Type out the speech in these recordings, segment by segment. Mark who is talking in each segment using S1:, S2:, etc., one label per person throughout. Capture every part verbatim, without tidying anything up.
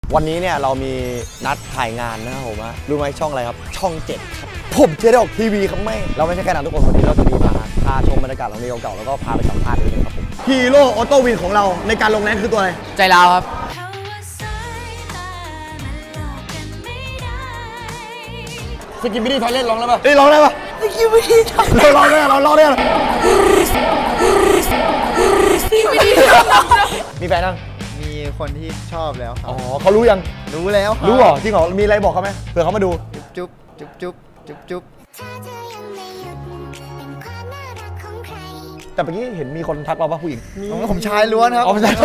S1: วันนี้เนี่ยเรามีนัดถ่ายงานนะครับผมว่ารู้ไหมช่องอะไรครับช่องเจ็ดครับผมจะได้ออกทีวีครับแม่เราไม่ใช่แค่นั้นทุกคนวันนี้เราจะมีมาพาชมบรรยากาศโรงเรียนเก่าๆแล้วก็พาไปสัมภาษณ์ด้วยนะครับผมฮีโร่ออโต้วินของเราในการลงแรงคือตัวอะไรใจเราครับสกิปปี้ดีไทยเล่นร้องได้ปะเอ้ยร้องได้ปะสกิปปี้ดีไทยเราร้องได้เราร้องได้มีแฟนยัง
S2: มีคนที่ชอบแล้วครับ
S1: อ๋อเขารู้ยัง
S2: รู้แล้ว
S1: รู้เหรอจริงเหรอมีอะไรบอกเขาไหมเผื่อเขามาดู
S2: จุ๊บจุ๊บจุ๊บจุ๊บจุ๊บ
S1: แต่เมื่อกี้เห็นมีคนทักเราว่าผู้หญิง
S2: ผมชายล้วนครับ
S1: อ๋อใช่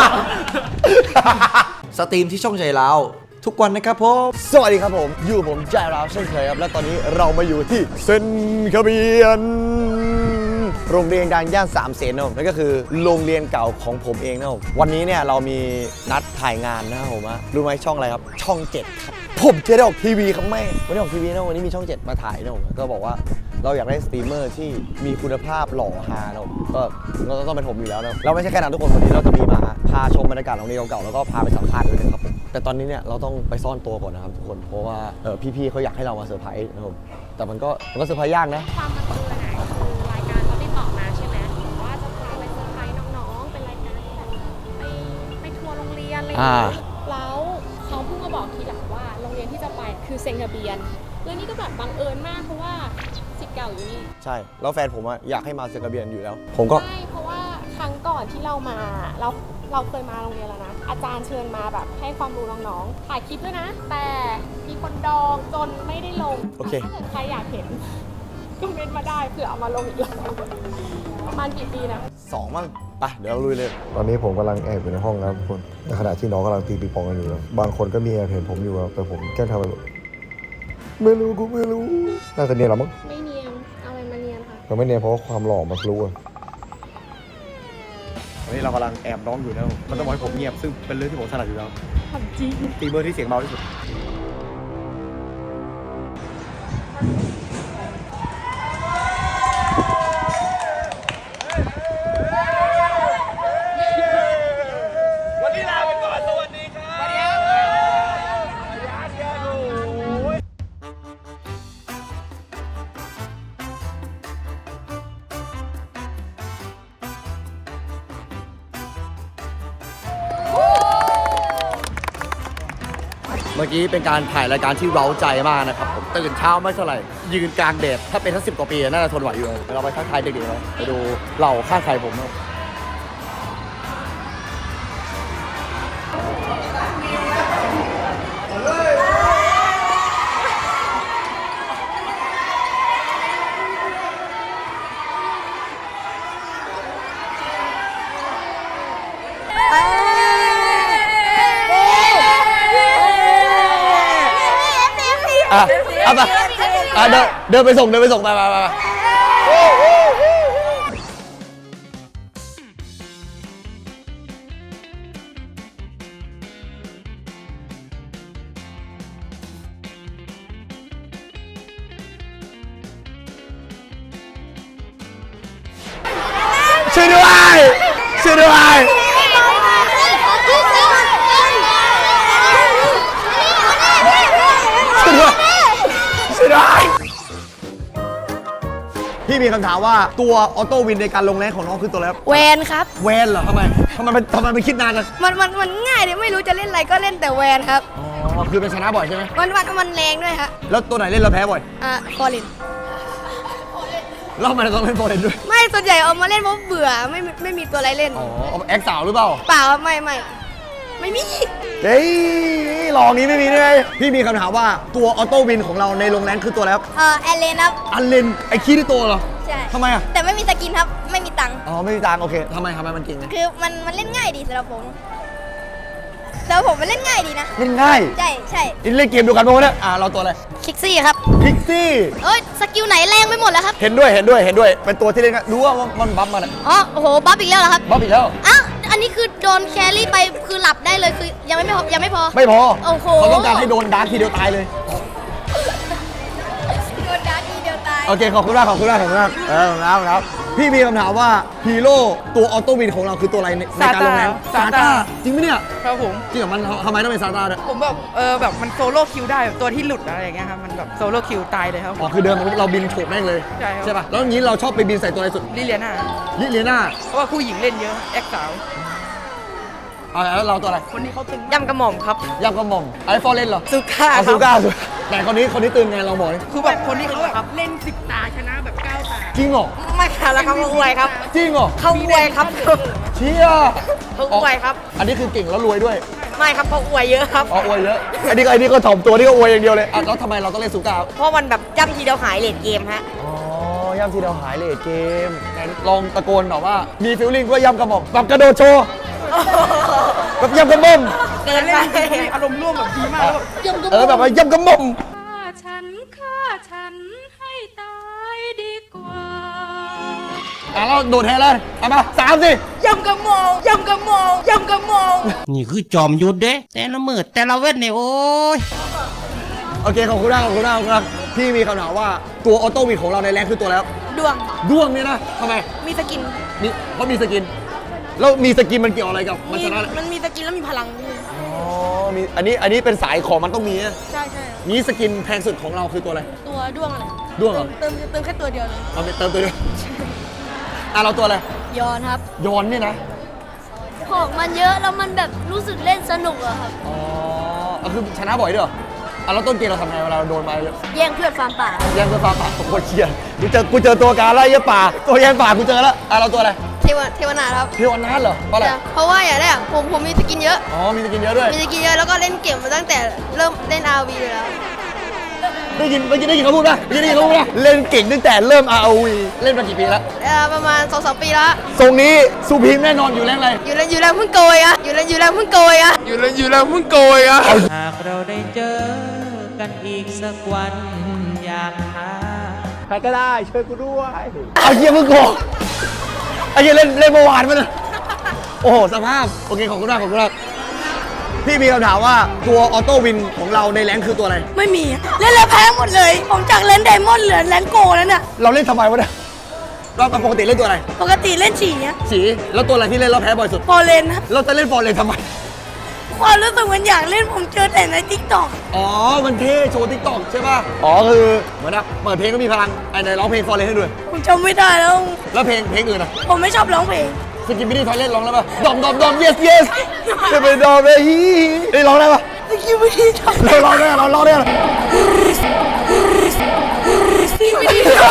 S3: สตรีมที่ช่องใจเราทุกวันนะครับผม
S1: สวัสดีครับผมอยู่ผมใจเราเช่นเคยครับและตอนนี้เรามาอยู่ที่เซนคาเบียนโรงเรียนดังย่านสามเสนนะครับนั่นก็คือโรงเรียนเก่าของผมเองนะครับวันนี้เนี่ยเรามีนัดถ่ายงานนะครับผมรู้ไหมช่องอะไรครับช่องเจ็ดครับผมจะได้ออกทีวีครับแม่วันนี้ออกทีวีนะวันนี้มีช่องเจ็ดมาถ่ายนะผมก็บอกว่าเราอยากได้สตรีมเมอร์ที่มีคุณภาพหล่อฮานะก็ก็ต้องเป็นผมอยู่แล้วนะเราไม่ใช่แค่นั้นทุกคนวันนี้เราจะมีมาพาชมบรรยากาศโรงเรียนเก่าๆแล้วก็พาไปสัมภาษณ์ด้วยนะครับผมแต่ตอนนี้เนี่ยเราต้องไปซ่อนตัวก่อนนะครับทุกคนเพราะว่าพี่ๆเขาอยากให้เรามาเซอร์ไพรส์นะครับแต่มันก็มันก็เซอร์ไพรส์ยากนะ
S4: ความบังเอิญอ่ะคือรายการเขาติดต่อมาใช่ไหมว่าจะพาไปเซอร์ไพรส์น้องๆเป็นรายการที่แบบไปไปทัวร์โรงเรียนอะไรอย่างเงี้ยแล้วเขาเพิ่งมาบอกทีหลังว่าโรงเรียนที่จะไปคือเซนคาเบียนเรื่องนี้ก็แบบบังเอิญมากเพราะว่าศิษย์เก่าอยู่นี่
S1: ใช่แล้วแฟนผมอะอยากให้มาเซนคาเบียนอยู่แล้วผมก็
S4: ใช่เพราะว่าครั้งก่อนที่เรามาเราเราเคยมาโรงเรียนแล้วนะอาจารย์เชิญมาแบบให้ความรู้น้องๆถ่ายคลิปด้วยนะแต่มีคนดองจนไม่ได้ลง
S1: โอเค
S4: ถ้าเกิดใครอยากเห็นก็เม้นมาได้เผื่อเอามาลงอีกรอบประมาณกี่ปีนะ
S1: สองมั้งไปเดี๋ยวเราลุยเลยตอนนี้ผมกำลังแอบอยู่ในห้องนะครับทุกคนในขณะที่น้องกำลังตีปีปองกันอยู่นะบางคนก็มีแอบเห็นผมอยู่แต่ผมแค่ทำแบบไม่รู้กูไม่รู้น่าจะเนียนหรอมั้ง
S4: ไม่เนียนเอาอะไรมาเนียนค่ะ
S1: ก็ไม่เนียนเพราะความหล่อมันรู้อ่ะวันนี้เรากำลังแอบน้องอยู่นะมันต้องบอกให้ผมเงียบซึ่งเป็นเรื่องที่ผมถนัดอยู่แล้ว
S4: ทำจริง
S1: ตีเบอร์ที่เสียงเบาที่สุดวันนี้ลาไปก่อนสวัสดีครับสวัสดีครับเมื่อกี้เป็นการถ่ายรายการที่เร้าใจมากนะครับผมตื่นเช้าไม่เท่าไหร่ยืนกลางแดดถ้าเป็นทั้งสิบกว่าปีน่าจะทนไหวอยู่เราไปทักทายเด็กๆเลยไปดูเหล่าข้างใครผมครับอ่ะเอาไปอ่ะเดินเดินไปส่งเดินไปส่งไปไปไปช่วยด้วยช่วยด้วยพี่มีคำถามว่าตัวออโต้วินในการลงแรงของน้องคือตัวอะไรครับ
S5: แวนครับ
S1: แวนเหรอทำไมทำไมทำไมมันคิดนานจัง
S5: มันมันมันง่ายเลยไม่รู้จะเล่นอะไรก็เล่นแต่แวนครับ
S1: อ๋อคือเป็นชนะบ่อยใช่ไหม
S5: มันมันมันแรงด้วยครับ
S1: แล้วตัวไหนเล่นเราแพ้บ่อย
S5: อ่ะฟอร์เรน
S1: แล้วทำไมเราต้องเล่นฟอร์เรนด้วย
S5: ไม่ส่วนใหญ่เอามาเล่นเพราะเบื่อไม่ไม่มีตัวอะไรเล่น
S1: อ๋อแอคสาวหรือเปล่า
S5: เปล่าไม่ไม่ไม่มี
S1: เฮ้ยลองนี้ไม่มีด้วยพี่มีคำถามว่าตัวออโต้วินของเราในลงแรงคือตัวอะไรครับ
S5: เออแอลเลนครับ
S1: อันเลนไอคีที่ตัวเหรอ
S5: ใช่
S1: ทำไมอ่ะ
S5: แต่ไม่มีสกินครับไม่มีตังค์
S1: อ๋อไม่มีตังค์โอเคทำไมทำไมมันเก่ง
S5: คือมันมันเล่นง่ายดีสำหรับผมสำหรับผมมันเล่นง่ายดีนะ
S1: เล่นง่าย
S5: ใช่ใช่
S1: เล่นเกมเดียวกันมั้งเนี่ยอ่าเราตัวอะไร
S5: คิกซี่ครับ
S1: คิกซี่
S5: เอ้ยสกิลไหนแรงไปหมดแล้วครับ
S1: เห็นด้วยเห็นด้วยเห็นด้วยเป็นตัวที่เล่นรู้ว่ามันบัฟมัน
S5: อ๋อโอ้โหบัฟอีกแล้วเหรอครับ
S1: บัฟอีกแล้ว
S5: อ้าวอันนี้คือโดนแครี่ไปคือหลับได้เลยคือยังไม่พอยังไม่พอ
S1: ไม่พอ
S5: โอ้โห
S1: เขาต้องการให้โดนดาร์คทีเดียวตายเลย
S5: โดนดาร์คทีเดียวตาย
S1: โอเคขอบคุณมากขอบคุณมากขอบคุณมากเออครับครับพี่มีคำถามว่าฮีโร่ตัวออโต้วินของเราคือตัวอะไรในในการลงแรง
S6: ซาต้า
S1: จริงไหมเนี่ย
S6: ครับผม
S1: จริงเหรอมันทำไมต้องเป็นซาต้าด้วย
S6: ผมแบบเออแบบมันโซโล่คิวได้แบบตัวที่หลุดอะไรอย่างเงี้ยครับมันแบบโซโล่คิวตายเลยครับ
S1: อ๋อคือเดินมาปุ๊บเราบินโฉบแม่งเลย
S6: ใช่ครับ
S1: ใช่ป่ะแล้วอย่างนี้เราชอบไปบินใส่ตัวอะไรสุด
S6: ลิเลียนา
S1: ลิเลียนา
S6: เพราะว่าผู้หญิงเล่นเยอะแอคสาว
S1: เอาแล้วเราตัวอะไร
S6: คนนี้เขาตึง
S7: ยำกระหม่อมครับ
S1: ยำกระหม่อมไอฟอร์เล่นเหรอ
S6: ซูก้า
S1: เอา
S6: ครั
S1: ซู
S6: บ
S1: ก้าสุดแต่คนนี้คนนี้ตื่นไงเราบอกดิ
S6: คือแบบคนนี้เขาแบบเล่นสิบตาชนะแบบเก้าตา
S1: จริงเหรอ
S7: ไม่ค่ะแล้วเขาอวยครับ
S1: จริงเหรอ
S7: เขาอวยครับ
S1: เชี่ย
S7: เขาอวยครับ
S1: อันนี้คือเก่งแล้วรวยด้วย
S7: ไม่ครับเขาอวยเยอะครับ
S1: อ๋ออวยเยอะอันนี้ก็อันนี้ก็ถ่อมตัวนี่ก็อวยอย่างเดียวเลยอ่ะแล้วทำไมเราต้องเล่นซูก้า
S7: เพราะมันแบบย่ำทีเดียวหายเลดเกมฮะ
S1: อ๋อย่ำทีเราหายเลทเกมไหนลองตะโกนแบบว่า มีฟิลลิ่งว่าย่ำกระหม่อมแบบกระโดดโชว์แบบย่ำกระหม่อม
S7: เกินไป
S6: อารมณ์ร่วมแบบดีมากแล้วแบบ
S1: เออแบบว่าย่ำกระหม่อม
S8: ฆ่าฉันฆ่าฉันให้ตายดีกว่า
S1: อ่ะเราโดดแทนเลยเอามาสามสิ
S7: ยำกระหม่อมยำกระหม่อมยำกระหม่อม
S9: นี่คือจอมยุทธเด้ แต่ละมือแต่ละเวทเนี่ยโอ้ย
S1: โอเคขอบคุณมากขอบคุณมากขอบคุณมากพี่มีคำถามว่าตัวออโต้วินของเราในแรงคือตัวแล้ว
S7: ดวง
S1: ด้วงเนี่ยนะทำไม
S7: มีสกิน
S1: มีเพราะมีสกิน แล้วมีสกินมันเกี่ยวอะไรกับมันชนะเลย
S7: มันมีสกินแล้วมีพลัง
S1: อ๋อมีอันนี้อันนี้เป็นสายของมันต้องมีนะ
S7: ใช่ใช่
S1: นี้สกินแพงสุดของเราคือตัวอะไร
S7: ตัวดวงอะไร
S1: ด้วงเหรอ
S7: เติมเติมแค่ตัวเดียวเลย
S1: เราไปเติมตัวเดียวอ่ะเราตัวอะไร
S5: ยอนครับ
S1: โยนเนี่ยนะ
S5: ของมันเยอะแล้วมันแบบรู้สึกเล่นสนุกอะครับ
S1: อ๋อเอาคือชนะบ่อยด้วยเหรออ่ะแล้วต้นเกมเราทำไงเวลาเราโดนมาเยอะ
S5: แย่งเพื่อนฟาร์มป่า
S1: แย่งเพื่อฟ้าป่าโอ้โหเชียกูเจอกูเจอตัวการไล่เยอะป่า ตัวแย่งป่ากูเจอแล้วอ่ะเราตัวอะไร
S5: เทวเทวนาถครับ
S1: เทวันนัทเหรอเพราะอะไร
S5: เพราะว่าอย่างแรกผมผมมีสกินเยอะ
S1: อ๋อมีสกินเยอะด้วย
S5: มีสกินเยอะแล้วก็เล่นเกมมาตั้งแต่เริ่มเล่น อาร์ วี เลยแล้ว
S1: ได้ยินได้ยินได้ยินเขาพูดป่ะได้ยินเขาพูดป่ะเล่นเก่งตั้งแต่เริ่ม อาร์ โอ วี เล่นมากี่ปีแล้ว
S5: เอ่อประมาณ สองสาม ปีละ
S1: ทรงนี้สุพีมแน่นอนอยู่แรงอะไร
S5: อยู่แล้วอยู่แล้วเพิ่งโกยอะอยู่แล้วอยู่แล้วเพิ่งโกยอะ
S6: อยู่แล้วอยู่แล้วเพิ่งโกยอ่ะ
S9: หากเราได้เจอกันอีกสักวันอยากหา
S1: ใครก็ได้ช่วยกูด้วยเอาเยี่ยมึงโกงไอ้เยี่ยเล่นเล่นเมื่อวานมันยโอ้โหสภาพโอเคขอบคุณมากขอบคุณมากพี่มีคำถามว่าตัวออโต้วินของเราในแรงคือตัวอะไร
S7: ไม่มี เล่นแล้วแพ้หมดเลย ผมจากเล่นไดมอนด์เหลือแลนโกแล้วเนี่ย
S1: เราเล่นทำไมวะเนี่ยเราปกติเล่นตัวอะไร
S7: ปกติเล่นฉี่เนี่ย
S1: สีแล้วตัวอะไรที่เล่นเราแพ้บ่อยสุด
S7: พอเลนนะ
S1: เราจะเล่นฟอร์เรนทำไม
S7: ความรู้สึกเหมันอยากเล่นผมเจอแต่ในทิกตอก
S1: อ๋อ มันเท่โชว์ทิกตอกใช่ป่ะ อ๋อ คือเหมือนนะเปิดเพลงก็มีพลังไอ้ไหนร้องเพลงฟอร์เรนให้ด้วย
S7: ผมจำไม่ได้แล้ว
S1: แล้วเพลงเพลงอื่นอ่ะ
S7: ผมไม่ชอบร้องเพลง
S1: สกิมมินี่ทอยเล่นร้องได้ป่ะ ดอมดอมดอม yes yes จะเป็นดอมเลยฮีได้ร้องได้ป่ะ
S7: สกิลไม่ดีชอบ
S1: เราร้องได้เราร้องได้
S7: ซีไม่ดีชอบ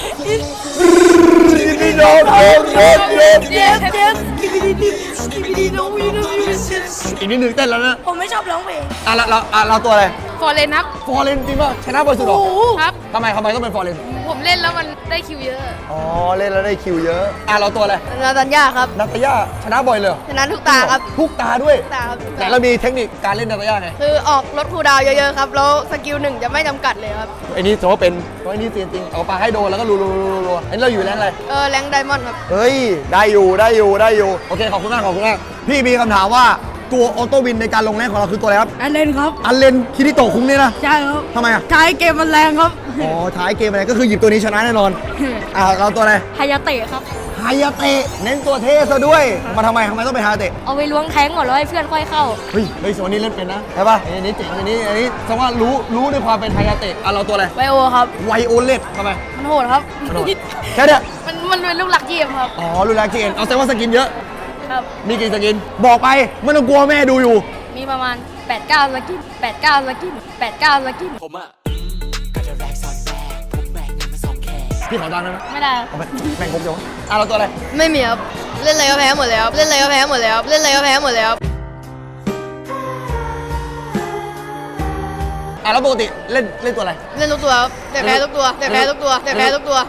S1: นี่ดอมดอมดอม yes
S7: เจฟเจฟสกิลไม่ดีสกิลไม่ดีน้องวีน้องวี
S1: อีกนิดนึงเต้นแล้วนะ
S7: ผมไม่ชอบร้องเพลง
S1: อ่ะเราเราอ่ะเราตัวอะไร
S4: ฟอร์เรนครับ
S1: ฟอร์เรนจริงป่ะ ชนะบ่อยสุดหรอ
S4: ครับ
S1: ทำไมทำไมต้องเป็นฟอร์เรน
S4: ผมเล่นแล้วมันได้คิวเยอะ
S1: อ๋อ เล่นแล้วได้คิวเยอะ อ่ะเราตัวอะไร
S5: นาตันยาครับ
S1: นัตยาชนะบ่อยเลยเหรอ
S5: ชนะทุกตาครับ
S1: ทุกตาด้วย
S5: ทุกตาครับทุก
S1: ไหน
S5: ตา
S1: เรามีเทคนิคการเล่นนัตยาไง
S5: คือออกรถคูลดาวน์เยอะๆครับ แล้วสกิลหนึ่งจะไม่จำกัดเลยครับ
S1: ไอ้นี่ถือว่าเป็นเพราะไอ้นี่เซียนจริง เอาปลาให้โดนแล้วก็รัวรัวรัวรัวอันนี้เราอยู่แรงอะไร
S5: เออแรงไดมอนด์ครับ
S1: เฮ้ย ได้อยู่ได้อยู่ได้อยู่ โอเค ขอบคุณมากขอบคุณมาก พี่มีคำถามว่าตัวออโต้วินในการลงแรงของเราคือตัวอะไรครับ
S7: อันเล่นครับ
S1: อันเลนคิริโตะคุ้งเนี่ยนะ
S7: ใช่ครับ
S1: ทำไมอ่ะ
S7: ท้ายเกมมันแรงครับ
S1: อ๋อ ท้ายเกมอะไรก็คือหยิบตัวนี้ชนะแน่นอน อ่าเราตัวอะไร
S7: ฮายาเตะครับ
S1: ฮายาเตะเน้นตัวเท่ซะด้วย มาทำไมทำไมต้องเป็นฮายาเตะ
S7: เอาไปล้วงแทงก่อนแล้วให้เพื่อนค่อยเข้า
S1: เฮ้ยเฮ้ยส่วนนี้เล่นเป็นนะใช่ป่ะอันนี้เจ๋งอันนี้อันนี้แสดงว่ารู้รู้ในความเป็นฮายาเตะอ่ะเราตัวอะไร
S7: ไวโอครับ
S1: ไวโอเลตทำไม
S7: มันโหดครับ
S1: กระโดดแค่เนี้ย
S7: มันมันเป็นลูกหลักเกมครับ
S1: อ๋อรู้แล้วเกนเอาแสดงว่าสกินเยอะ
S7: ครับ
S1: มีกี่สกิน บอกไปไม่ต้องกลัวแม่ดูอยู่
S7: มีประมาณ แปดเก้า สกิน แปดเก้า สกิน แปดเก้า สกิน
S1: พี่ขอตังค์ได้ไหม
S7: ไม่ได้
S1: เอาไปแบ่งครบจังวะอ่ะเราตัวอะไร
S5: ไม่มีครับ เล่นอะไรก็แพ้หมดแล้วครับเล่นอะไรก็แพ้หมดแล้วครับเล่นอะไรก็แพ้หมดแล้วครับ
S1: อ่ะแล้วปกติเล่นเล่นตัวอะไร
S5: เล่นทุกตัวครับแต่แพ้ทุกตัวแต่แพ้ทุกตัวแต่แพ้ทุกตัว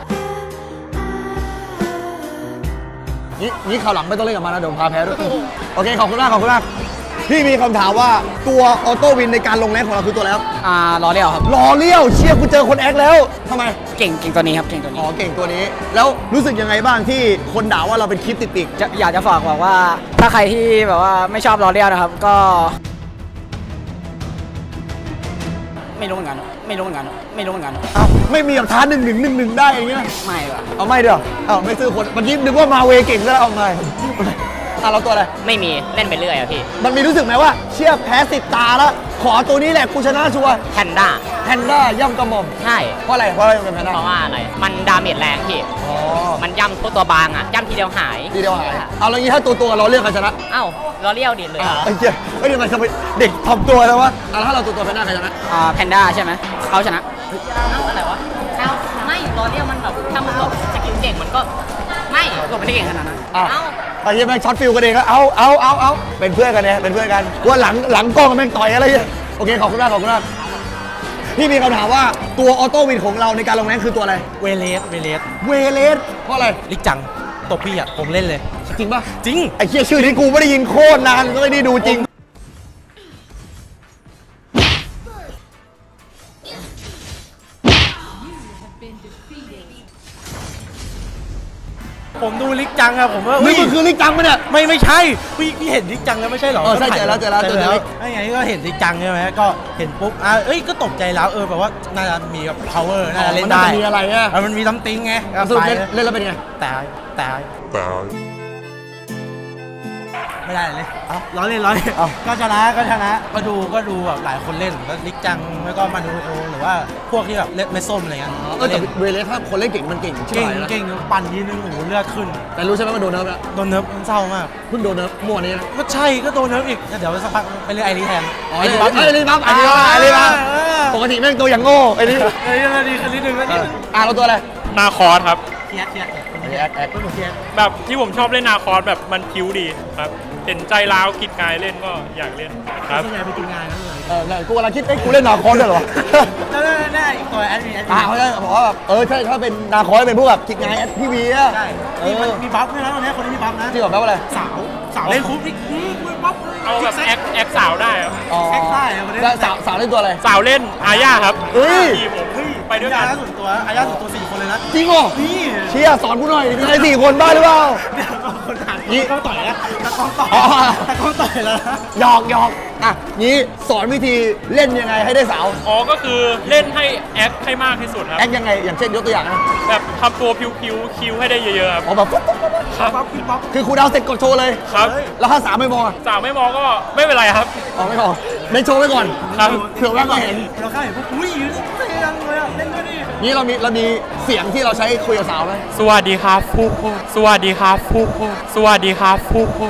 S1: นี่นี่ข่าวหลังไม่ต้องเล่นกับมันนะเดี๋ยวผมพาแพ้ด้วย โอเคขอบคุณมากขอบคุณมากพี่มีคำถามว่าตัวออโต้วินในการลงแรงของเราคือตัวแล้ว
S9: อ่ารอเรียวครับ
S1: รอเลี้ยวเชียร์กูเจอคนแอคแล้วทำไม
S9: เก่งเก่งตัวนี้ครับ เก่งตัว
S1: อ๋
S9: นี้
S1: อเก่งตัวนี้ แล้วรู้สึกยังไงบ้างที่คนด่าว่าเราเป็นคลิปติดปีก
S9: จะอยากจะฝากบอกว่า ถ้าใครที่แบบว่าไม่ชอบรอเรียวนะครับ ก็
S6: ไม่รู้เหมือนกัน ไม่รู้เหมือนกัน ไม่รู้เหมือนกัน
S1: เอ้าไม่มีแบบท้าหนึ่งหนึ่งหนึ่งหนึ่งได้อย่างเงี้ย
S6: ไม่หรอ
S1: เอาไม่เดี๋ยวเอ้าไม่ซื้อคนมันยิ้มนึกว่ามาเวเก่งซะแล้วเอาไม่อ่ะเราตัวอะไร
S6: ไม่มีเล่นไปเรื่อยอะพี่
S1: มันมีรู้สึกไหมว่าเชี่ยแพ้สิบตาแล้ว ขอตัวนี้แหละกูชนะชัวร์
S6: แพนด้า
S1: แพนด้าย่ำกระหม่อม
S6: ใช่
S1: เพราะอะไรเพราะอะไรเป็นแพนด้า
S6: เพราะว่าอะไร มันดาเมจแรงพี่
S1: อ๋อ
S6: มันย่ำตัวตัวบางอะย่ำทีเดียวหาย
S1: ทีเดียวหายเอาแล้วงี้ถ้าตัวตัวเราเลือกใครชนะ
S6: เอ้าเราเลี้ยวดิเลย
S1: ไอ้เหี้ยเฮ้ยทำไมทำไมเด็กทำตัวแล้ววะอ่ะแล้วถ้าเราตัวตัวแพนด้าใครชนะ
S6: อ่าแพนด้าใช่ไหมเขาชนะเอ้าอะไรวะเอ้าไม่เราเลี้ยวมันแบบถ้ามันหลบสกิลเก่งมันก็ไม่หลบไม่ได้เก่งขนาดนั้น
S1: อ่ะ
S6: เอ้า
S1: ไอ้เหี้ยแม่งช็อตฟิลกันเองก็เอาเอาเอาเอาเป็นเพื่อนกันเนี่ยเป็นเพื่อนกันว่าหลังหลังกล้องแม่งต่อยอะไรเงี้ยโอเคขอบคุณมากขอบคุณมากพี่มีคำถามว่าตัวออโต้วินของเราในการลงแรงคือตัวอะไร
S10: เวเลสเวเลส
S1: เวเลสเพราะอะไร
S10: ลิกจังตบพี่อ่ะ ผมเล่นเลย
S1: จริงป่ะ
S10: จริง
S1: ไอ้เหี้ยชื่อที่กูไม่ได้ยินโคตรนานก็ไม่ได้ดูจริง
S10: ผมดูลิกจังอะผมว่า
S1: นี่มันคือลิกจังปะเนี่ย
S10: ไม่ไม่ใช่พี่พี่เห็นลิกจังแล้วไม่ใช่หรอ
S1: เออใช่เจอแล้วเจอแล้วเจอแล้ว
S10: ไอ้ไงก็เห็นลิกจังใช่ไหมก็เห็นปุ๊บอ่ะเอ้ยก็ตกใจแล้วเออแบบว่าน่าจะมีแบบ power น่าจะเล่นได้
S1: มันน่าจะมีอะไรอะ
S10: เออมันมีซัมติงไงก็
S1: สรุป
S10: ไป
S1: เล่นเล่นแล้วเป็นไง
S10: ตายตายไม่ได้เลยเอาร้อยเล่นร้อยเล่น
S1: เอา
S10: ก็ชนะก็ชนะก็ดูก็ดูแบบหลายคนเล่นก็ลิกจังแล้วก็มาดูโอหรือว่าพวกที่แบบเล่นไม่ส้มอะไรเงี้ย
S1: เออแต่เวเลสถ้าคนเล่นเก่งมันเก่งใช่
S10: เก่ง
S1: ไหม
S10: เก่งปั่นยีนึงโอ้โหเลือดขึ้น
S1: แต่รู้ใช่ไหมว่าโดนเนิร์ฟแล้ว
S10: โดนเนิร์ฟมันเศร้ามาก
S1: เพิ่งโดนเนิร์ฟมั่วนี้นะ
S10: ก็ใช่ก็โดนเนิร์ฟอีกเดี๋ยวสักพักไปเรียกไอรีแทน
S1: อ๋อไอ้นี่บัฟไอ้นี่บัฟไอ้นี่บัฟไอ้นี่บัฟปกติแม่งตัวอย่างโง่ไอ้นี่
S10: ไอ้นี่ดีขึ้นนิดนึงแล้วนิดนึง
S1: อ่ะเราตัวอะไร
S11: นาคอร์สครับ
S10: เทียดเทียด
S1: แอคแอค
S10: ไม่เหมือนเทียด
S11: แบบที่ผมชอบเล่นนาคอร์สแบบมันคิ้วดีครับ เห็นใจร้าวกิดกายเล่นก็อยากเล่นครับ
S10: ส่วนใหญ่ไปกินงานนั่นเลย
S1: เออเนี่ยกูกำลังคิดเอ้ยกูเล่นนาคอสด้วยเหรอ
S10: แล้วนั่นอีกตัวแอดมินแอดมิ
S1: อ่าน เขาจะบอกว่าแบบเออใช่ถ้าเป็นนาคอสเป็นพวกแบบคิดไงแอดพี่วีอะ
S10: ใช่
S1: เอ
S10: มี
S1: อ
S10: มันมีบัฟด้วยนะตอนนี้คนนี้มีบัฟนะ
S1: จริงเหรอแปลว่าอะไร
S10: สาวสาวเล่นปุ๊บนี่อื้อบัฟ
S11: เอาแบบแอคแอคสาวได้ครับ
S1: อ๋อ
S10: แอคได้อะวันนี้
S1: แล้วสาวสาวเล่นตัวอะไร
S11: สาวเล่นอาญาครับ
S1: เฮ้ย
S11: ทีมผมไปด้วย
S10: อา
S11: กัน
S10: ญาส่วนตัวอาญาส่วนตัวสี่คนเลยนะ
S1: จริงเหรอ
S10: นี่
S1: เชียร์สอนกูหน่อยมีใครสี่คนบ้าหรือเปล่า
S10: เดี๋ยวคนอ่าน
S1: นี่
S10: ตะกล้องต่อยนะตะกล้องต่อย
S1: อ๋อ
S10: ตะกล้องต่อยแล้วนะ
S1: หยอกหยอกอ่ะนี้สอนวิธีเล่นยังไงให้ได้สาว
S11: อ๋อก็คือเล่นให้แอคให้มากที่สุดครับ
S1: แอคยังไงอย่างเช่นยกตัวอย่างนะ
S11: แบบทำตัวพิวๆคิ้วให้ได้เยอะๆครับ
S1: อ๋อแบบปุ๊บปุ๊บปุ๊บปุ๊บ
S11: ครับ
S10: บัฟคือบัฟ
S1: คือครูดาวเสร็จกดโชว์เลย
S11: ครับ
S1: แล้วถ้าสาวไม่มองอ่ะ
S11: สาวไม่มองก็ไม่เป็นไรครับ
S1: อ๋อไม่มองเล่นโชว์ไว้ก่อน
S11: ครับ
S1: เผื่อว่าก็เห็น
S10: เราเข้าเห็นปุ๊บอุ้ยเสียงเลยอ่ะเล่นด้วยดิ
S1: นี่เรามีเรามีเสียงที่เราใช้คุยกับสาวไหม
S11: สวัสดีครับฟูฟูสวัสดีครับฟูฟูสวัสดีครับฟูฟู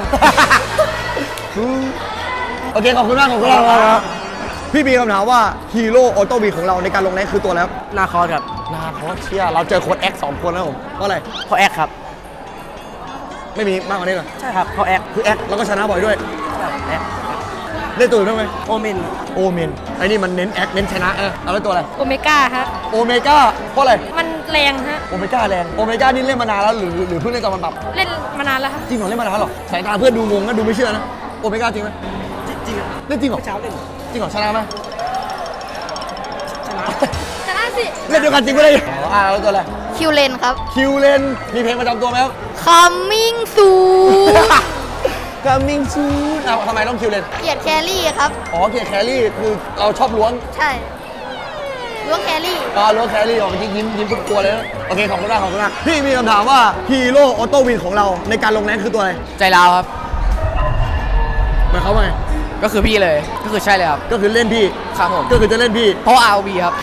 S1: โอเค ขอบคุณมากขอบคุณมากครับพี่มีคำถามว่าฮีโร่ออโต้บีของเราในการลงแรงคือตัวแล้ว
S6: นาคอร์ครับ
S1: นาคอสเชียเราเจอโค้ดแอคสองคนแล้วผมเพราะอะไร
S6: เพราะแอคครับ
S1: ไม่มีมากกว่านี้เหรอ
S6: ใช่ครับเพราะแอค
S1: คือแอคแล้วก็ชนะบ่อยด้วยเล่นตัวอื่นได้ไหม
S6: โอเมน
S1: โอเมนไอ้นี่มันเน้นแอคเน้นชนะเออเอาแล้วตัวอะไร
S7: โอเมก้าฮะ
S1: โอเมก้าเพราะอะไร
S7: มันแรงฮะ
S1: โอเมก้าแรงโอเมก้านี่เล่นมานานแล้วหรือหรือเพิ่งเล่นตอนมันปรับ
S7: เล่นมานานแล้วฮะ
S1: จริงเหรอเล่นมานานแล้วเหรอสายตาเพื่อนดูงงนะดูไม่เชื่อนะโอเมก้าจริงไหม
S10: จริงๆอะ
S1: เล่นจริงเหรอ
S10: เช้าเล่น
S1: จริงเหรอชนะไหม
S7: ชนะสิ
S1: เล่นเดียวกันจริงไม่ได้อ๋ออ่าแล้วตัวอะไร
S5: คิวเลนครับ
S1: คิวเลนมีเพลงประจำตัวไหมครับ
S5: coming soon
S1: Coming soon อ้าวทำไมต้องคิวเลน
S5: เกียรติแครี่ครับ
S1: อ๋อเกียร์แครี่คือเราชอบล้วง
S5: ใช่ล้วงแครี่
S1: ตอนล้วงแครี่ออกเมื่อกี้ยิ้มยิ้มทุกตัวเลยนะโอเคขอบคุณมากขอบคุณมากพี่มีคำถามว่าฮีโร่ออโต้วินของเราในการลงแรงคือตัวอะไร
S6: ใจราวครับ
S1: หมายความว่าไง
S6: ก็คือพี่เลยก็คือใช่เลยครับ
S1: ก็คือเล่นพี่
S6: ครับผม
S1: ก็คือจะเล่นพี่
S6: เพราะ อาร์ โอ วี ครับ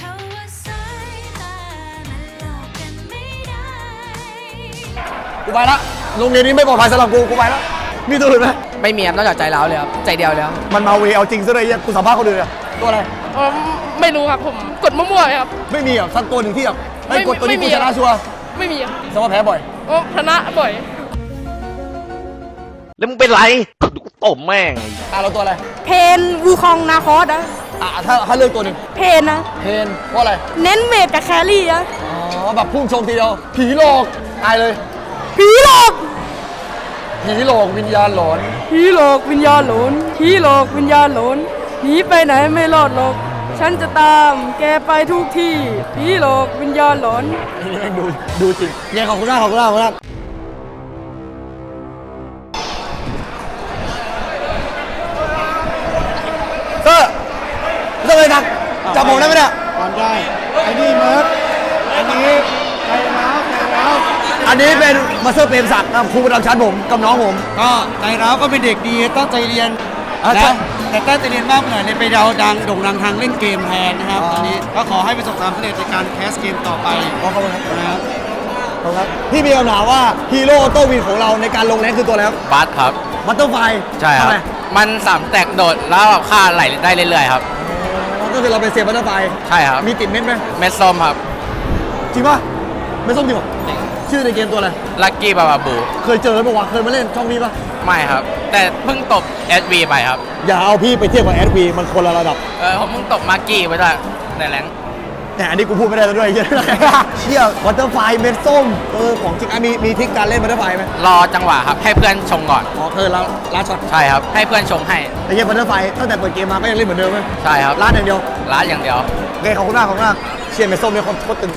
S1: กูไปละโรงเรียนนี้ไม่ปลอดภัยสำหรับกูกูไปละมีตัวอื่นไหม
S6: ไม่มีครับนอกจากใจร้าวเลยครับใจเดียวเลยครับ
S1: มันมาเวเอาจริงซะเลยเหี้ยกูสัมภาษณ์คนอื่นอะตัวอะไร
S4: ไม่รู้ครับผมกดมั่วๆครับ
S1: ไม่มีอ่ะสักตัวหนึ่งที่แบบไอ้ย
S4: ไม่
S1: กดตัวนี้
S4: ไม่มี
S1: กูชนะชัวร์
S4: ไม่มีครับ
S1: แสดงว่าแพ้บ่อย
S4: โอ้ชนะบ่อย
S3: แล้วมึงเป็นไรกูตบแม่ง
S1: อ่ะเราตัวอะไร
S7: เพนวูคองนาคอสอะ
S1: อ่ะถ้าถ้าเลือกตัวหนึ่ง
S7: เพนนะ
S1: เพนเพราะอะไร
S7: เน้นเมจกับแครี่อะ
S1: อ๋อแบบพุ่งชงทีเดียวผีหลอกตายเลย
S7: ผีหลอก
S1: ผีหลอกวิญญาณหลอน
S7: ผีหลอกวิญญาณหลอนผีหลอกวิญญาณหลอนหนีไปไหนไม่รอดหรอก ฉันจะตามแกไปทุกที่ผีหลอกวิญญาณหลอน
S1: อันนี้แม่งดูดูจริงเนี่ยขอบคุณมากขอบคุณมากขอบคุณมากเซอร์เซอร์เลยทักจับผมได้ไหมเนี่ยอันนี้เป็นมาสเตอร์เปรมศักดิ์นะครับครูประจำชั้นผมกับน้องผม
S10: ก็ใจร้าวก็เป็นเด็กดีตั้งใจเรียน
S1: อ่ะ
S10: นะ
S1: ใช่
S10: แต่ตั้งใจเรียนมากหน่อยเลยไปดาวดังโด่งดังทางเล่นเกมแทนนะครับ
S1: อ๋อ
S10: ตอนนี้ก็ขอให้ประสบความสำเร็จในการแคสเกมต่อไป
S1: ขอบคุณครับ
S10: นะครับ
S1: ขอบคุณครับพี่มีคำถามว่าฮีโร่ออโต้วินของเราในการลงแรงคือตัวอะไรครับ
S3: บัสครับ
S1: บัตเตอร์ไฟ
S3: ใช่ครับ มันสามแตกโดดแล้วแบบค่าไหลได้เรื่อยๆครับ
S1: ก็คือเราเป็นเซฟบัตเตอร์ไฟ
S3: ใช่ครับ
S1: มีติดเม็ดไหม
S3: เม็ดส้มครับ
S1: จริงป่ะไม่ส้มจริงเหรอชื่อในเกมตัวอะไร
S3: ลักกี้บาบาบู
S1: เคยเจอปะวะเคยมาเล่นช่องนี้ปะ
S3: ไม่ครับ แต่เพิ่งตบ เอส วี ไปครับ
S1: อย่าเอาพี่ไปเทียบกับแอดวีมันคนละระดับ
S3: เออผมเพิ่งตบมาร์กี้ไปด้วยในแรงค์
S1: แต่อันนี้กูพูดไม่ได้แล้วด้วยเหี้ย เชี่ยบัตเตอร์ไฟเม็ดส้มเออของจริงอ่ะมีมีทริคการเล่นบัตเตอร์ไฟไหม
S3: รอจังหวะครับ ให้เพื่อนชงก่อน
S1: อ๋อคือเราลาช็อต
S3: ใช่ครับ ให้เพื่อนชงให้
S1: ไอ้เหี้ยบัตเตอร์ไฟตั้งแต่เปิดเกมมาก็ยังเล่นเหมือนเดิมไหม
S3: ใช่ครับ
S1: ลาดอย่างเดียว
S3: ร้านอย่างเดียว
S1: โอเคขอบคุณมากขอบคุณมากเชียร์เม็ดส้มเนี่ยโคตรโคตรตึง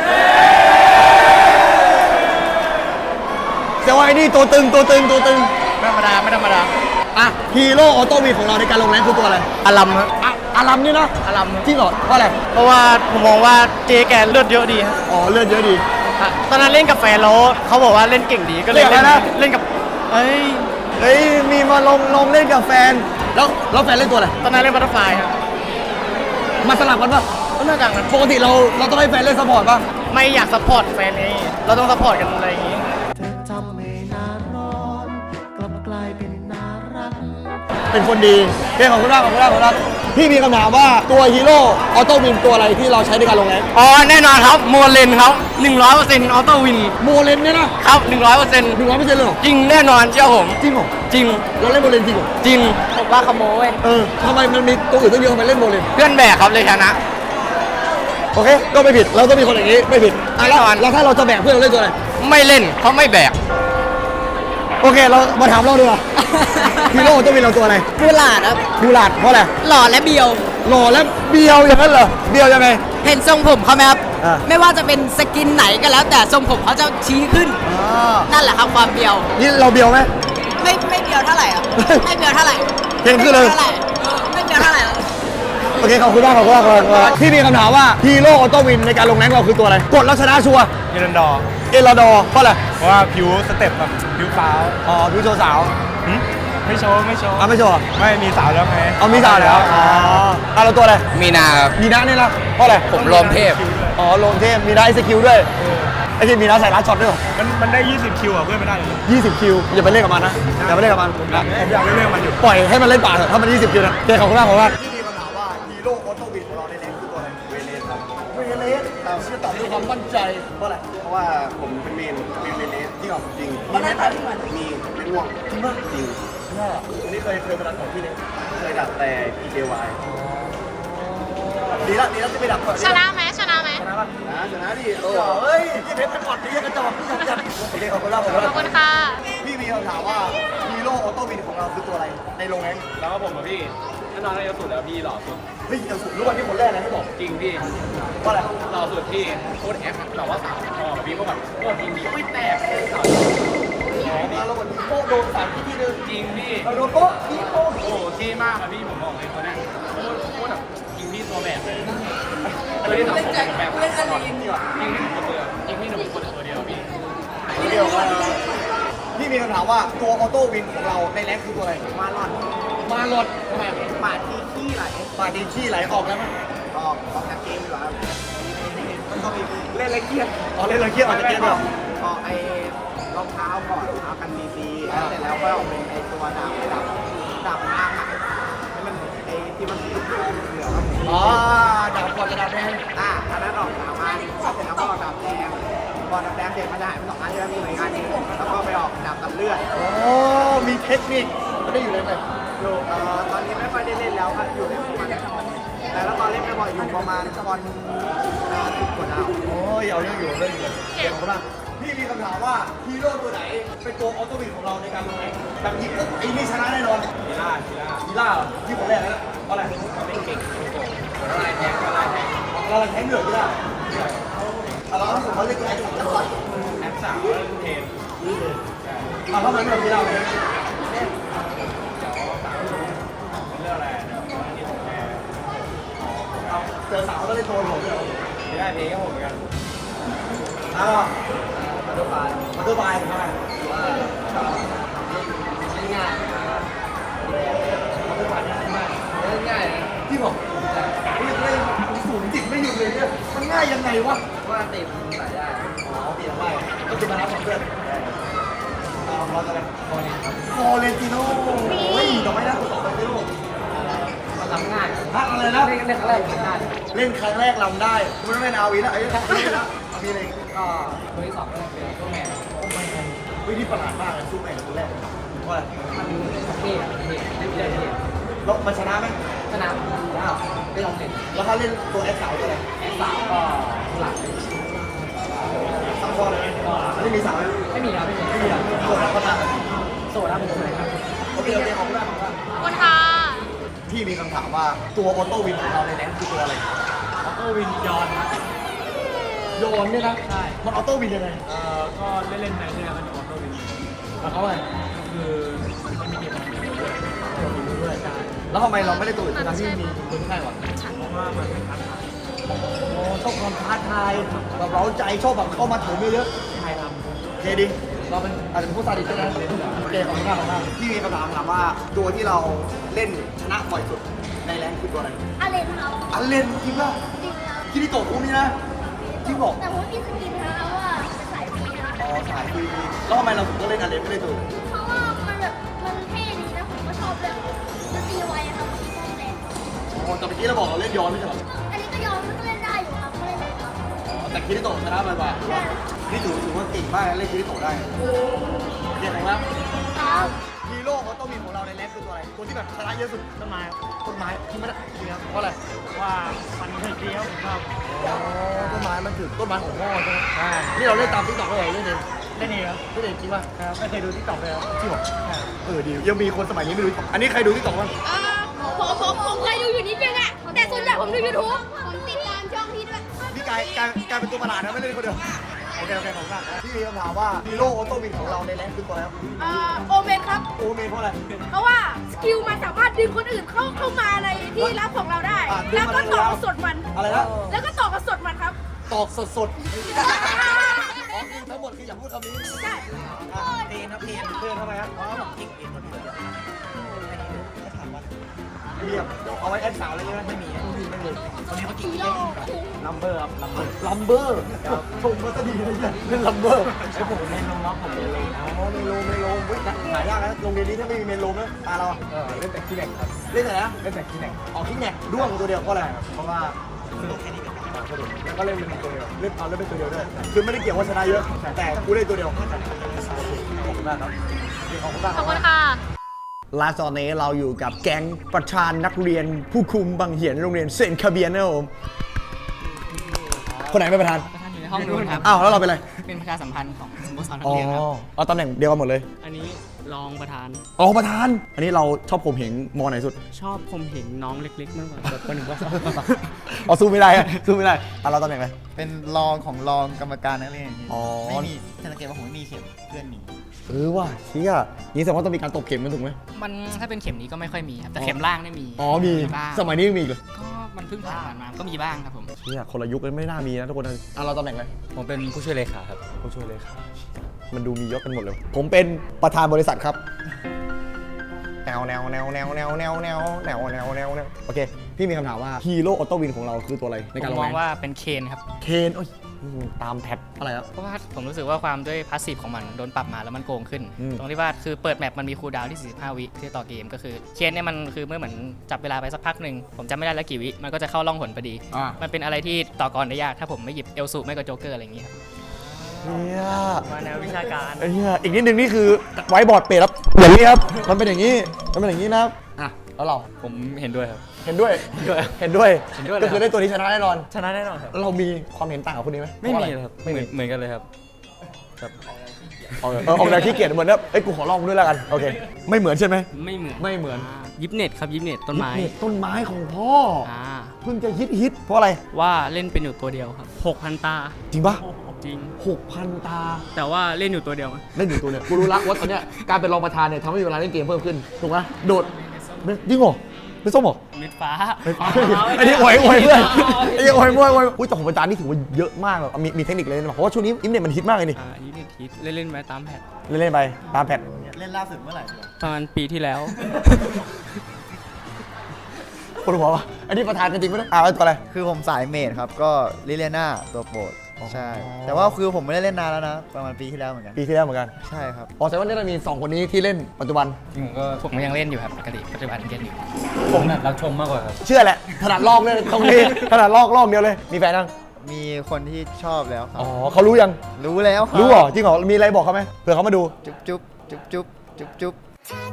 S1: แต่ว่าไอ้นี่ตัวตึงตัวตึงตัวตึง
S3: ไม่ธรรมดา ไม่ธรรมดา
S1: อ่ะฮีโร่ออโต้วีของเราในการลงแรงคือตัวอะไร
S3: อารัมครับ
S1: อ่ะอารัมนี่นะ
S3: อารัม
S1: จริงเหรอเพราะอะไร
S3: เพราะว่าผมมองว่าเจแกเลือดเยอะดีครับ
S1: อ๋อเลือดเยอะดี
S3: ตอนนั้นเล่นกับแฟนแล้วเขาบอกว่าเล่นเก่งดีก็เลย
S1: เล่นอะไรนะ
S3: เล่นกับเอ้ย
S1: เฮ้ยมีมาลงลงเล่นกับแฟน แล้วแล้วแฟนเล่นตัวอะไร
S3: ตอนนั้นเล่นบัตเตอร์ไฟครับ
S1: มาสลับกันปะ
S3: ก็น่าจะงั้น
S1: ปกติเราเราต้องให้แฟนเล่นซัพพอร์ตปะ
S3: ไม่อยากซัพพอร์ตแฟนไงเราต้องซัพพอร์ตกันอะไรอย่างงี้
S1: เป็นคนดีเฮ้ยขอบคุณมากขอบคุณมากขอบคุณมากพี่มีคำถามว่าตัวฮีโร่ออโต้วินตัวอะไรที่เราใช้ในการลงแรง
S3: อ๋อแน่นอนครับโมเลนครับหนึ่งร้อยเปอร์เซ็นต์ออโต้วิน
S1: โมเลนเนี่ยนะครับ
S3: หนึ่งร้อยเปอร์เซ็นต์
S1: หนึ่งร้อยเปอร์เซ็นต์เลยเหรอ
S3: จริงแน่นอนเชื่อผม
S1: จริงเหรอ
S3: จริง
S1: เราเล่นโมเลนจริงเหรอ
S3: จริง
S6: ผมว่าขโมย
S1: เออทำไมมันมีตัวอื่นตั้งเยอะทำไมเล่นโมเลน
S3: เพื่อนแบกครับเลยชนะ
S1: โอเคก็ไม่ผิดเราต้องมีคนอย่างนี้ไม่ผิดอ่ะแล้ว
S3: แน่นอน
S1: แล้วถ้าเราจะแบกเพื่อนเราเล่นตัวอะไร
S3: ไม่เล่นเพราะไม่แบก
S1: โอเคเรามาถามเราดีกว่า ฮีโร่ออโต้วินเราตัวอะไร
S6: บูหลาดครับ
S1: บูหลาดเพราะอะไร
S6: หล่อและเบียว
S1: หล่อและเบียวอย่างนั้นเหรอเบียวยังไง
S6: เห็นทรงผมเขาไหมครับ
S1: อ่า
S6: ไม่ว่าจะเป็นสกินไหนก็แล้วแต่ทรงผมเขาจะชี้ขึ้น
S1: อ่า
S6: นั่นแหละครับความเบียว
S1: นี่เราเบียวไหม
S6: ไม่ไม่เบียวเท่าไหร่ครับ ไม่เบียวเท่าไหร่
S1: เห็นขึ้นเลย
S6: ไม่บีวเท่าไหร่เออไม่เบียวเท่าไหร่ครับ
S1: โอเคขอบคุณมากขอบคุณมากขอบคุณมากพี่มีคำถามว่าฮีโร่ออโต้วินในการลงแรงเราคือตัวอะไรกดแล้วชนะชัวร์
S11: เอรันดอร์
S1: เอลาดอร์เพราะอะไร
S11: เพราะว่าผิวสเต็ปแบบผิวฟ้าว
S1: อ๋อพี่โชว์สาว
S11: หึไม่โชว์ไม่โชว์
S1: อ่ะไม่โชว์อ่ะ
S11: ไม่มีสาวแล้วไง
S1: เอามีสาวแล้วอ๋ออ่ะเราตัวอะไร
S3: มีนาครับ
S1: มีนะเนี่ยนะเพราะอะไร
S3: ผมลมเทพ
S1: อ๋อลงเทพมีนะไอสกิลด้วยไอ้ที่มีนะใส่ร้านช็อตด้วยเหรอ
S11: มันมันได้ ยี่สิบ คิวอ่ะเพื่อนไม่ได้เลย
S1: ยี่สิบคิวอย่าไปเล่นกับมันนะอย่าไปเล่นกับมันนะ
S11: ผมอยากเล่นเรื่องมันอยู่
S1: ปล่อยให้มันเล่นป่าเถอะถ้ามันยี่สิบคิวนะโอเคขอบคุณมากขอบคุณมากพี่มีคำถามว่าฮีโร่ออโต้วินของเราในแรงคือตัวอะไรเวเลสครับเวเลสตามชื่อตอบด้วยความมั่นใจเพราะอะไร
S12: เพราะว่าผมเป็นเมนเป็นเมนเลส
S1: จริงเหรอ
S12: จริง
S1: เพราะหน้าตาที่เหมือน
S12: มีไม่ง่วง
S1: จริงป่ะ
S12: จริง
S1: เนี่ยอันนี้เคยเคยมาดันของพี่เนี่ย
S12: เคยดับแต่ พี เจ วาย
S1: ดีละดีละที่ไปดับก่อน
S4: ชนะไหมชนะไหม
S1: ชนะป่ะ
S12: นะชนะดิ
S1: โอ้เฮ้ยยี่เพชรเป็นก่อนนี่ยังกระจอกนี่ยังจัดโอเคขอบคุณมากขอบคุณ
S4: ข
S1: มา
S4: อก บคุณค่ะ
S1: พี่มีคำถามว่าฮีโร่ออโต้วินของเราคือตัวอะไรในโรงแรม
S11: แล้วก็ผมกับพี่แน่นอนเลยสุดแล้วพี่หล่อสุด
S1: เฮ้ยเดี๋ยวสุดรู้ว่าที่คนแรกนะที่บอก
S11: จริงพี่
S1: ว่าอะไร
S11: หล่อสุดพี่โคตรแอปแต่ว่าสาวชอบพี่ก็แบบโคตรมีมีไม่แตกสาว
S1: อ๋อมาแล้ววันนี้โป๊ะโดนสามที่ที่นึง
S11: จริงพี่
S1: เราโดนโป๊ะที่โป๊ะ
S11: โอ้โหเท่มากอะพี่ผมบอกเลยคนนี้โคตรโคตรแบบจริงพี่ตัวแบบเลยตัวที่สองผมเป็นแบบเล่นอะไรจริงจริงพี่ผมคนเดียวจริงพี่หนุ่มคนตัวเดียวพี่
S1: เดียวกันพี่มีคำถามว่าตัวออโต้วินของเราในแรงคือตัวอะไร
S12: มาหลอด
S1: มาหลดทำไม
S12: ปาดทีขี้ไหล
S1: ปาดีขี้ไหลออกแล้วมั้ย
S12: ออกออกจากเกมดีกว่าครับมันต้องมี
S1: เล่นอะไรเครียดอ๋อเล่นอะไรเครียดออกจากเกมเหรอ
S12: ออกไอ้รองเท้าก่อนเอากันดีดีๆแล้วเสร็จแล้วก็เอาเป็นไอ้ตัวดาบไอ้ดาบดาบอ้างอ่ะให้มันไอ้ที่มันสีเหลืองเหลืองครับผม
S1: อ๋อดาบก่อนจะดาบแดง
S12: อ่ะอันนั้นออกสามอันแล้วเสร็จแล้วก็ออกดาบแดงพอดาบแดงเสร็จมันจะหายไปสองอันที่แล้วมีหน่วยงานหนึงแล้วก็ไปออกดาบตัดเลือด
S1: อ๋อมีเทคนิคไม่ได้อยู่ในไหน
S12: อยู่เอ่อตอนนี้ไม่ค่อยได้เล่นแล้วครับอยู่ในประมาณแต่แล้วตอนเล่นไม่บ่อยอยู่ประมาณตอนสิบกว่าดาว
S1: โอ้ยเอาเรื่องอยู่เรื่องอยู่เก่งมากพี่มีคำถามว่าฮีโร่ตัวไหนเป็นตัวออโต้วินของเราในการลงแรงแบบยิงปุ๊บไอ้นี่ชนะแน่นอน
S11: กีฬากีฬา
S1: กีฬาเหรอที่ผมแรกนะเพราะอะไร
S11: ไม่เก่งอะไรแทงอะไรแทง
S1: เราแข่งเหนือกีฬาเอาแล้วถ้าสมมติเขาเรียกไอ้ตัวจังหวัด
S11: แอปสาวแล้วเทน
S1: เอาแล้วมันเหนือกีฬาไหม
S11: เรื่องอะไรที่ผมแพ้
S1: เอาเจอสาวก็เล่นโทนผมเลย
S11: ไม่ได้เพลงก็ผมเหมือนกัน
S1: อ้าว
S12: ตอร์ไฟ
S1: มอเตอร์ไบค์ใช่ไหม
S12: ง่ายมอเตอร์ไฟง่ายง่าย
S1: ที่บอกเล่นเล่นศูนย์จิตไม่หยุดเลยเนี่ยมันง่ายยังไงวะ
S12: ว่าติดใส่ได้
S1: อ๋อเปลี่ยนได้ก็คือมารับของเพื่อนเอาเราจะอะไรฟอเรนครับฟอเรนติโน่โอ้ยต่อไปนะฟอเรนติโน่
S12: ทำง่าย
S1: ฮะอะไรนะ
S12: เล่นเล่นครั้งแรกง่าย
S1: เล่นครั้งแรกลำได้คุณไม่เป็นอาวีนะไอ้ไม่เป็นละอาวีเลย
S12: ก็ตัวที่สองก็เป็นตัวแมน
S1: วิธีประหลาดมากเลยสู้แม่กับตัวแรกเพราะอะไร
S12: มันเท่เท่เล่นได้เท่
S1: แล้วมันชนะไหม
S12: ชนะว้าวได้ลองเล่น
S1: แล้วถ้าเล่นตัวแอคสาวตัวอะไร
S12: แอสสาวก็หลัก
S1: ซัมฟอร์เลยไม่มีสาวไหม
S12: ไม่มีครับไม่มี
S1: ไม่มีอ่ะโสดแล้วก็ตาม
S12: โซ่ครับเป็นตัวไหนครับ
S1: โอเคโอเคขอบคุณมากขอบคุณมาก
S4: ขอบคุณค่ะ
S1: พี่มีคำถามว่าตัวออโต้วินของเราในแรงคือตัวอะไร
S11: ออโต้วินยอนครับ
S1: โยนเนี่ยนะ
S11: ใช่
S1: มันออโต้วินยังไง
S11: เอ่อก็เล่นเล่นๆไปเนี่ยมันออโต้วิน
S1: แล้วเขาอะไร
S11: ก็คือมันไม่มีเกมด้วย
S1: ด้วยแล้วทำไมเราไม่ได้ตัวอื่นทั้งที่มีคนไข้ก่อน
S11: เพราะว่ามันไม่ทัน
S1: โอ้ชอบความท้าทายแบบเราใจชอบแบบเข้ามาถึงเยอะ
S11: ใครทำ
S1: ๆโอเคดิเราเป็นอาจจะเป็นผู้ซาดิสใช่ไหมโอเคขอบคุณมากขอบคุณมากพี่มีคำถามถามว่าตัวที่เราเล่นชนะบ่อยสุดในแรงคือตัวอะไร
S5: อะไรครับ
S1: อันเล่นจริงป่ะ
S5: จริงครับ
S1: คิริโตะพวกนี้นะจริงบอก
S5: แต่ผมมีสกินนะว่าเป็นสายฟรีนะ
S1: อ๋อสายฟรีแล้วทำไมเราถึงต้องเล่นอันเล่นไม่ได้ตัวอื่น
S5: เพราะว่ามันแบบมันเท่ดีนะผมก็ชอบเลยมันตีไวอะครับมันตีแรง
S1: อ๋อแต่เมื่อกี้เราบอกเราเล่นย้อนไม่ใช่เหรอ
S5: อันนี้ก็ยอมมันก็เล่นได้อยู่ครับก็เล่นได้ครับ
S1: อ๋อแต่คิริโตะชนะบ่อยกว่านี่ถือถือว่าเก่งมากนะเล่นคิริโตะได้เก่งมาก
S5: ครับ
S1: ฮีโร่เขาต้องมีของเราในแรงคือตัวอะไรตัวที่แบบชนะเยอะสุด
S11: ต้นไม้
S1: ต้นไม้ที่ไม่ได้จริงครับเพราะอะไร
S11: ว่ามันเท่ดีครับผมชอบ
S1: อ๋อต้นไม้มันถือต้นไม้ของพ่อใช่ไหมใช่นี่เราเล่นตามติ๊กต็อกเลยเล่นเอง
S11: เล่นเองครับ
S1: เล่นเองจริงป่ะ
S11: ครับไม่เคยดูที่ตอกเลยครับ
S1: จริงเหรอเออดียังมีคนสมัยนี้ไม่รู้ อันนี้ใครดูติ๊กต็อกบ้าง
S5: ผมผมผมเคยดูอยู่นิดนึงอะแต่ส่วนใหญ่ผมดูยูทูบผมติดตามช่องพี่ด้วย
S1: พี่กายกายกายเป็นตัวประหลาดนะไม่เล่นคนเดียวโอเคโอเคขอบคุณมากพี่มีคำถามว่าฮีโร่ออโต้วินของเราในแรงคือตัวอะไรครับ
S5: อ่าโอเมนครับ
S1: โอเมนเพราะอะไร
S5: เพราะว่าสกิลมันสามารถดึงคนอื่นเข้าเข้ามาในที่รับของเราได้
S1: อ่ะดึง
S5: แล้ว
S1: มา
S5: ก็
S1: ได้
S5: ต่อ
S1: แล้ว
S5: กับสดมัน
S1: อะไรนะ
S5: แล้วก็ต่อกับสดมันครับ
S1: ตอกสดสดอ๋อคือทั้งหมดคืออย่าพูดคำนี้
S5: ใช่
S1: อ่ะเทนครับเทนเทนทำไมครับอ๋อผมทิ้งเองคนเดียวถามว่าเรียบเอาไว้แอดสาวอะไรเงี้ยไม่มีไม่มีไม่มีตอนนี้เขากินเล่นลัมเบอร์ครับลัมเบอร์ลัมเบอร์ชมก็จะดีเลยเนี่ยเล่นลัมเบอร์ไอ้ผมเล่นน้องๆผมเล่นเลยอ๋อเมโลเมโลเฮ้ยหายากนะโรงเรียนนี้ถ้าไม่มีเมโลนะตาเราเออเล่นแต่ขี้แหนกครับเล่นแต่นะเล่นแต่ขี้แหนกออกขี้แหนกด้วงตัวเดียวเพราะอะไรเพราะว่าซื้อแค่นี้แล้วก็เล่นเป็นตัวเดียวเล่นเอาเล่นเป็นตัวเดียวด้วยคือไม่ได้เกี่ยวว่าชนะเยอะแต่กูเล่นตัวเดียวขอบคุณมากครับขอบคุณมาก
S4: ขอบคุณค่ะ
S1: ลาตอนนี้เราอยู่กับแก๊งประธานนักเรียนผู้คุมบังเหียนโรงเรียนเซนคาเบียนนะครับผมคนไหนเป็นประธาน
S6: ประธานอยู่ในห้องนู้นครับ
S1: อ้าวแล้วเราเป็นอะไร
S6: เป็นประชาสัมพันธ์ของสโมสรนัก
S1: อ๋อ
S6: เรียนครับ
S1: เอาตำแหน่งเดียวกันหมดเลย
S6: อันนี้รองประธาน
S1: อ๋อประธาน อันนี้เราชอบผมเหงมอไหนสุด
S6: ชอบผมเห็นน้องเล็กๆมากกว่าแบบคนหนึ่งว่า
S1: อ๋อสู้ไม่ได้อะสู้ไม่ได้อ่ะเราตำแหน่งอะไร
S2: เป็นรองของรองกรรมการนักเรียนอย่างนี้
S1: อ๋อ
S2: ไม่มีสังเกตว่าผมไม่มีเข็มเพื่อนมี
S1: เออว่ะเชี่ยนี่แสดงว่าต้องมีการตบเข็มกันถูกไหม
S6: มันถ้าเป็นเข็มนี้ก็ไม่ค่อยมีครับแต่เข็มล่างเนี่ยมี
S1: อ๋อมี
S6: บ้าง
S1: สมัยนี้ยังมีอีกเลย
S6: ก็มันเพิ่งผ่านมาก็มีบ้างครับผม
S1: เชี่ยคนละยุคเลยไม่น่ามีนะทุกคนนะอ่ะเราตำแหน่งอะไร
S3: ผมเป็นผู้ช่วยเลขาครับ
S1: ผู้ช่วยเลยครับมันดูมียศกันหมดเลย ผมเป็นประธานบริษัทครับแนวแนวแนวแนวแนวแนวแนวแนวแนวแนวแนวโอเค พี่มีคำถามว่าฮีโร่ออโต้วินของเราคือตัวอะไรใน
S6: ผ
S1: การ
S6: ม
S1: ลง
S6: มอง
S1: แรง
S6: ว่าเป็นเคนครับ
S1: เคนโอ้ยตามแพทอะไรครับ
S6: เพราะว่าผมรู้สึกว่าความด้วยพาสซีฟของมันโดนปรับมาแล้วมันโกงขึ้น
S1: อืม
S6: ตรงที่ว่าคือเปิดแมปมันมีคูลดาวน์ที่สี่สิบห้าวิที่ต่อเกมก็คือเคนเนี่ยมันคือเมื่อเหมือนจับเวลาไปสักพักหนึ่งผมจำไม่ได้แล้วกี่วิมันก็จะเข้าล่องหนพอดี
S1: อ่า
S6: มันเป็นอะไรที่ต่อกรได้ยากถ้าผมไม่หยิบเอลซูไม่ก็โจ๊กเกอร์อะไรอย่างเงี้ยครับ
S1: เนี่ย
S6: มาแนววิชาการ
S1: ไอ้เนี่ยอีกนิดนึงนี่คือไว้บอร์ดเปรตครับอย่างนี้ครับมันเป็นอย่างนี้มันเป็นอย่างนี้นะครับอ่ะแล้วเรา
S3: ผมเห็นด้วยครับ
S1: เห็นด้วยเห็นด้วย
S3: เห็นด้วยเลย
S1: ก็คือได้ตัวนี้ชนะแน่นอน
S3: ชนะแน่นอนครับ
S1: เรามีความเห็นต่างกับคนนี้ไหม
S3: ไม่มี
S1: เพาะอะ
S3: ครับ
S1: ไม่
S3: เหมื
S1: มี
S3: อนเหมือนกันเลยครับครับ
S1: เออเออออกแนวขี้เกียจเหมือนแบบเอ้ยกูขอลองด้วยแล้วกันโอเคไม่เหมือนใช่ไหม
S6: ไม่เหมือน
S1: ไม่เหมือน
S6: ยิปเน็ตครับยิปเน็ตต้นไม้
S1: นี่ต้นไม้ของพ่อ
S6: อ่า
S1: เพิ่งจะฮิตฮิตเพราะอะไร
S6: ว่าเล่นเป็นอยู่ตัวเดียวครับหกพันตา
S1: จริงปะ
S6: จริง
S1: หกพันตา
S6: แต่ว่าเล่นอยู่ตัวเดียว
S1: เล่นอยู่ตัวเนี่ยกูรู้ละว่าตอนเนี้ยการเป็นรองประธานเนี่ยทำให้เวลาเล่นเกมเพิ่มขึ้นถูกไหมโดดจริงเหรอไม่ส้มเหรอ
S3: มิดฟ้า
S1: ไอ้นี่อวยอวยเพื่อนไอ้นี่อวยมวยอวยอุ้ยแต่ของประจานนี่ถือว่าเยอะมากเลยมีมีเทคนิคเลยนะเพราะว่าช่วงนี้อินเน็ตมันฮิตมากเลยนี่
S3: อ่าอันนี้เนี่ยคิดเล่นๆไปตามแพท
S1: เล่นๆไปตามแพท
S2: เล่นล่าสุดเมื่อไหร่
S3: ประมาณปีที่แล้ว
S1: ปวดหัววะอันนี้ประธานกันจริงไหมเนี่ยอ่าไอ้ตัวอะไร
S2: คือผมสายเมดครับก็ลิเลียนาตัวโปรดใช่ แต่ว่าคือผมไม่ได้เล่นนานแล้วนะประมาณปีที่แล้วเหมือนกัน
S1: ปีที่แล้วเหมือนกัน
S2: ใช่ครับ
S1: อ๋อแสดงว่าเนี่ยเรามีสองคนนี้ที่เล่นปัจจุบัน
S3: จริงผมก็ผมก็ยังเล่นอยู่ครับปกติปัจจุบันยังเล่นอยู่
S1: ผมรักชมมากกว่าครับเชื่อแหละถนัดลอกเลยตรงนี้ถนัดลอกลอกเดียวเลยมีแฟนยัง
S2: มีคนที่ชอบแล้วครับ
S1: อ๋อเขารู้ยัง
S2: รู้แล้วคบ
S1: รู้เหรอจริงเหรอมีอะไรบอกเขาไหมเผื่อเขามาดู
S2: จุ๊บจุ๊บจุ๊บจุ๊บจุ๊บจุ๊บ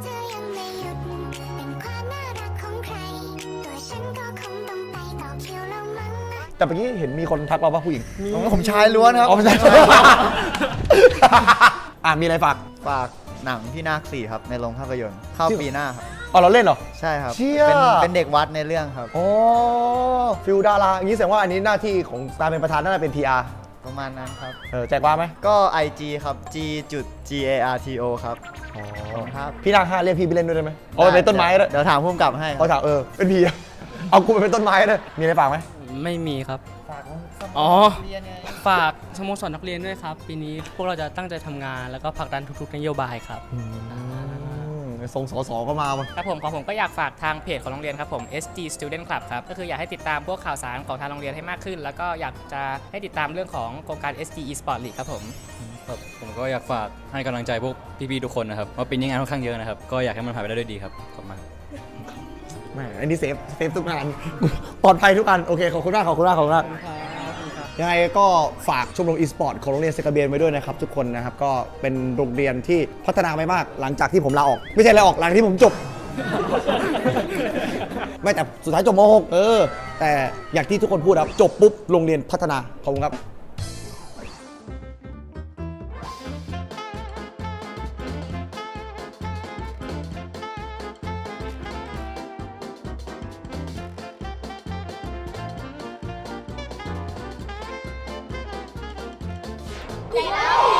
S1: แต่เมื่อกี้เห็นมีคนทักเราว่าผู้หญิง
S2: ผมชายล้วนครับ
S1: อ๋อไม่ใช่ อ่ะมีอะไรฝาก
S2: ฝากหนังพี่นาคสี่ครับในโรงภาพยนตร์เข้าปีหน้าครับ
S1: อ๋อเราเล่นเหรอ
S2: ใช่ครับ
S1: เชี่ย
S2: เป็นเป็นเด็กวัดในเรื่องครับ
S1: อ๋อฟิลดาราอย่างนี้แสดงว่าอันนี้หน้าที่ของการเป็นประธานน่าจะเป็น พี อาร์
S2: ประมาณนั้นครับ
S1: เออแจกว่าไหม
S2: ก็ ไอ จี ครับ g จุด g a r t o ครับ
S1: อ๋อ
S2: ครับ
S1: พี่นางห้าเรียกพี่ไปเล่นด้วยได้ไหมเอาไปเป็นต้นไม้ด้วย
S2: เดี๋ยวถามพุ่มกลับให้ค
S1: เขา
S2: รับ
S1: ถามเออเป็นพี่เอากูไปเป็นต้นไม้ด้วยมีอะไรฝากไหม
S3: ไม่มีครับ
S2: ฝากสโม
S3: อ๋อ
S2: สรเรียนไง
S3: ฝากสโมสรนักเรียนด้วยครับ ปีนี้พวกเราจะตั้งใจทำงานแล้วก็ผลักดันทุกๆนโยบายครับ
S1: ทรงสอสอก็มาว่ะ
S6: ครับผมของผมก็อยากฝากทางเพจของโรงเรียนครับผม เอส จี Student Club ครับก็คืออยากให้ติดตามพวกข่าวสารของทางโรงเรียนให้มากขึ้น แล้วก็อยากจะให้ติดตามเรื่องของโครงการ เอส จี Esport League ครับผม
S11: ครับผมก็อยากฝากให้กำลังใจพวกพี่ๆทุกคนนะครับว่าปีนี้งานค่อนข้างเยอะนะครับก็อยากให้มันผ่านไปได้ด้วยดีครับขอบคุณมาก
S1: แหมอันนี้เซฟเซฟทุกงานปลอดภัยทุกอันโอเคขอบคุณมากขอบคุณมากขอบคุณมากยังไงก็ฝากชมรมอีสปอร์ตของโรงเรียนเซกาเบียนไว้ด้วยนะครับทุกคนนะครับก็เป็นโรงเรียนที่พัฒนาไปมากหลังจากที่ผมลาออกไม่ใช่ลาออกหลังที่ผมจบ ไม่แต่สุดท้ายจบม .หก เออแต่อย่างที่ทุกคนพูดครับจบปุ๊บโรงเรียนพัฒนาขอบคุณครับ
S5: ใหญ่แล้ว